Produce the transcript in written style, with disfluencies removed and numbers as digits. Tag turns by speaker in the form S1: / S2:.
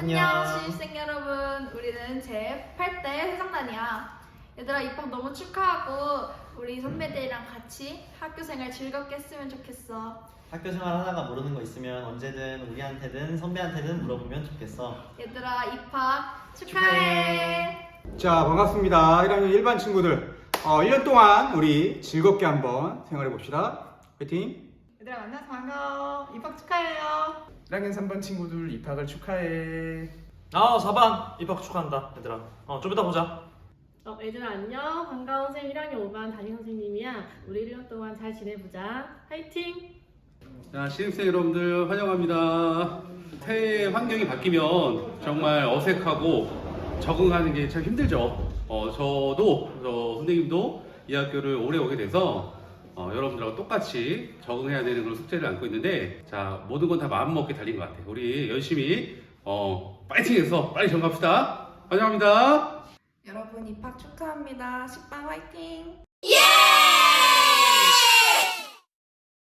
S1: 안녕 신입생 여러분, 우리는 제8대 회장단이야. 얘들아, 입학 너무 축하하고 우리 선배들이랑 같이 학교생활 즐겁게 했으면 좋겠어.
S2: 학교생활 하다가 모르는 거 있으면 언제든 우리한테든 선배한테든 물어보면 좋겠어.
S1: 얘들아, 입학 축하해.
S3: 자, 반갑습니다. 1학년 일반 친구들. 1년 동안 우리 즐겁게 한번 생활해 봅시다. 화이팅!
S4: 얘들아 만나서 반가워. 입학 축하해요.
S5: 1학년 3반 친구들 입학을 축하해.
S6: 4반 입학 축하한다 얘들아. 좀 이따 보자.
S7: 얘들아 안녕. 반가운 쌤 1학년 5반 담임 선생님이야. 우리 1년 동안 잘 지내보자. 화이팅!
S8: 자, 신입생 여러분들 환영합니다. 새해 환경이 바뀌면 정말 어색하고 적응하는 게 참 힘들죠. 저도 선생님도 이 학교를 오래 오게 돼서 여러분들하고 똑같이 적응해야 되는 그런 숙제를 안고 있는데, 자, 모든 건 다 마음먹기 달린 것 같아요. 우리 열심히 파이팅해서 빨리 정갑시다. 환영합니다.
S9: 여러분 입학 축하합니다. 10반 화이팅!
S1: 예!